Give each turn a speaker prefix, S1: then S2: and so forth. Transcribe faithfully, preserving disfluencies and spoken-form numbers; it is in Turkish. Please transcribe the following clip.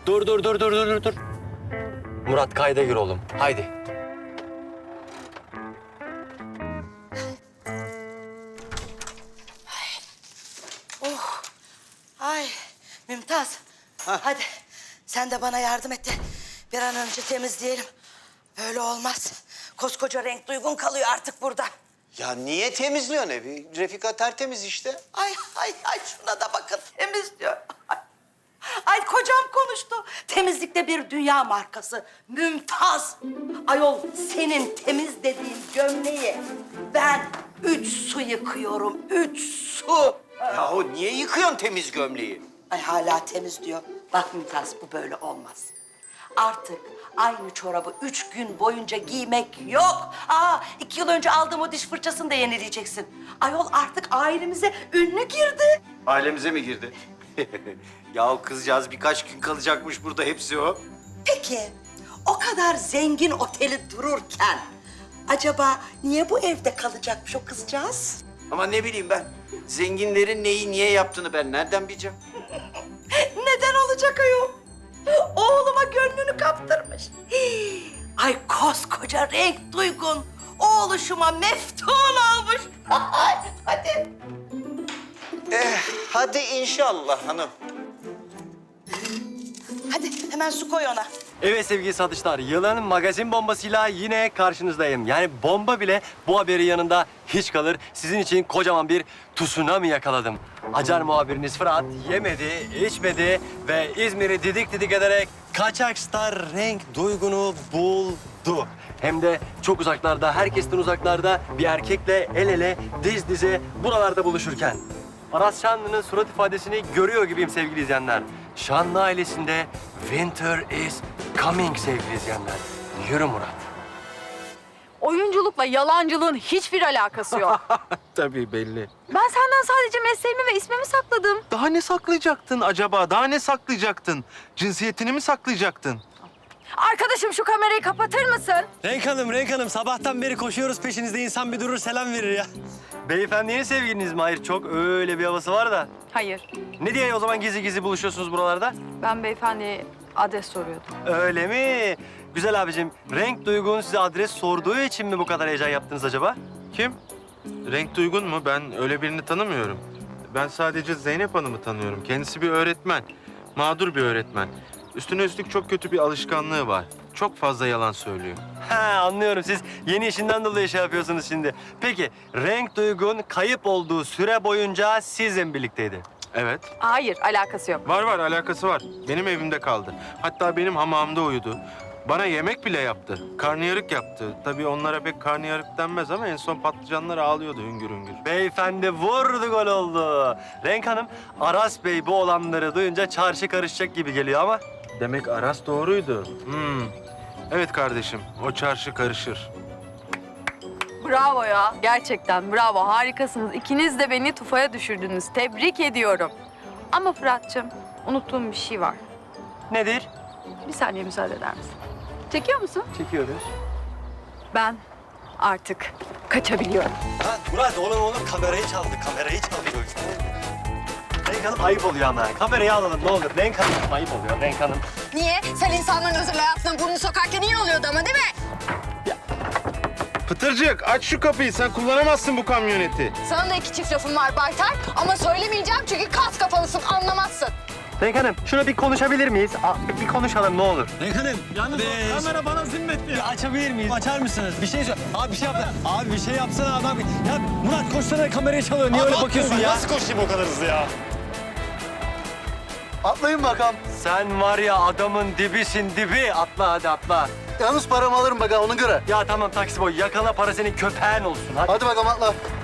S1: Dur dur dur dur dur dur. Murat kayda gir oğlum. Haydi.
S2: Ay Mümtaz. Hadi sen de bana yardım et de bir an önce temizleyelim. Böyle olmaz. Koskoca renk duygun kalıyor artık burada.
S3: Ya niye temizliyorsun evi? Refika tertemiz işte.
S2: Ay ay ay şuna da bakın temizliyor. Ay, ay kocam konuştu. Temizlikte bir dünya markası. Mümtaz. Ayol senin temiz dediğin gömleği ben üç su yıkıyorum. Üç su.
S3: Ya o niye yıkıyorsun temiz gömleği?
S2: Ay hala temiz diyor. Bak Mümtaz bu böyle olmaz. Artık aynı çorabı üç gün boyunca giymek yok. Aa iki yıl önce aldığım o diş fırçasını da yenileyeceksin. Ayol artık ailemize ünlü girdi.
S3: Ailemize mi girdi? Ya o kızcağız birkaç gün kalacakmış burada, hepsi o.
S2: Peki o kadar zengin oteli dururken acaba niye bu evde kalacakmış o kızcağız?
S3: Ama ne bileyim ben, zenginlerin neyi niye yaptığını ben nereden bileceğim?
S2: Neden olacak ayol? Oğluma gönlünü kaptırmış. Hii, ay koskoca renk duygun. Oğluşuma meftun olmuş. Ay, hadi.
S3: Eh, hadi inşallah hanım.
S2: Hadi hemen su koy ona.
S1: Evet sevgili satışlar, yılın magazin bombasıyla yine karşınızdayım. Yani bomba bile bu haberin yanında hiç kalır. Sizin için kocaman bir tsunami yakaladım. Acar muhabiriniz Fırat yemedi, içmedi ve İzmir'i didik didik ederek kaçak star renk duygunu buldu. Hem de çok uzaklarda, herkesten uzaklarda bir erkekle el ele, diz dize buralarda buluşurken. Aras Şanlı'nın surat ifadesini görüyor gibiyim sevgili izleyenler. Şanlı ailesinde winter is coming sevgili izleyenler. Yürü Murat.
S4: Oyunculukla yalancılığın hiçbir alakası yok.
S5: Tabii belli.
S4: Ben senden sadece mesleğimi ve ismimi sakladım.
S5: Daha ne saklayacaktın acaba? Daha ne saklayacaktın? Cinsiyetini mi saklayacaktın?
S4: Arkadaşım şu kamerayı kapatır mısın?
S1: Renk Hanım, Renk Hanım. Sabahtan beri koşuyoruz peşinizde. İnsan bir durur selam verir ya. Beyefendinin sevgiliniz mi? Hayır, çok öyle bir havası var da.
S4: Hayır.
S1: Ne diye o zaman gizli gizli buluşuyorsunuz buralarda?
S4: Ben beyefendiye adres soruyordum.
S1: Öyle mi? Güzel abicim, renk duygun size adres sorduğu için mi bu kadar heyecan yaptınız acaba?
S5: Kim? Renk Duygun mu? Ben öyle birini tanımıyorum. Ben sadece Zeynep Hanım'ı tanıyorum. Kendisi bir öğretmen. Mağdur bir öğretmen. Üstüne üstlük çok kötü bir alışkanlığı var. Çok fazla yalan söylüyor.
S1: Ha anlıyorum. Siz yeni işinden dolayı şey yapıyorsunuz şimdi. Peki, renk duygun kayıp olduğu süre boyunca sizle birlikteydi.
S5: Evet.
S4: Hayır, alakası yok.
S5: Var var, alakası var. Benim evimde kaldı. Hatta benim hamamımda uyudu. Bana yemek bile yaptı. Karnıyarık yaptı. Tabii onlara pek karnıyarık denmez ama en son patlıcanlar ağlıyordu hüngür hüngür.
S1: Beyefendi vurdu gol oldu. Renk Hanım, Aras Bey bu olanları duyunca çarşı karışacak gibi geliyor ama...
S5: Demek Aras doğruydu. Hmm. Evet kardeşim, o çarşı karışır.
S4: Bravo ya. Gerçekten bravo. Harikasınız. İkiniz de beni tufaya düşürdünüz. Tebrik ediyorum. Ama Fırat'cığım, unuttuğum bir şey var.
S1: Nedir?
S4: Bir saniye müsaade eder misin? Çekiyor musun?
S1: Çekiyoruz.
S4: Ben artık kaçabiliyorum.
S1: Ha Murat, oğlum oğlum kamerayı çaldı, kamerayı çaldı. Renk Hanım ayıp oluyor ama. Kamerayı alalım ne olur. Renk Hanım ayıp oluyor, Renk Hanım.
S6: Niye? Sen insanların özel hayatına burnunu sokarken iyi oluyordu ama değil mi?
S5: Pıtırcık, aç şu kapıyı. Sen kullanamazsın bu kamyoneti.
S6: Sana da iki çift lafım var Baytar ama söylemeyeceğim çünkü kas kafalısın, anlamazsın.
S1: Renk Hanım, şuna bir konuşabilir miyiz? Aa, bir konuşalım ne olur.
S7: Renk Hanım, yalnız o kamera bana zimmetli.
S1: Bir açabilir miyiz? Açar mısınız? Bir şey söyle. Abi bir şey yap. Abi bir şey yapsana adam. Ya Murat koşsana kamerayı çalıyor. Niye öyle bakıyorsun ya?
S7: Nasıl koşayım o kadar hızlı ya?
S8: Atlayın bakalım.
S1: Sen var ya adamın dibisin dibi. Atla hadi atla.
S8: Yalnız paramı alırım bakalım ona göre.
S1: Ya tamam taksi boy. Yakala para senin köpeğin olsun. Hadi.
S8: Hadi bakalım atla.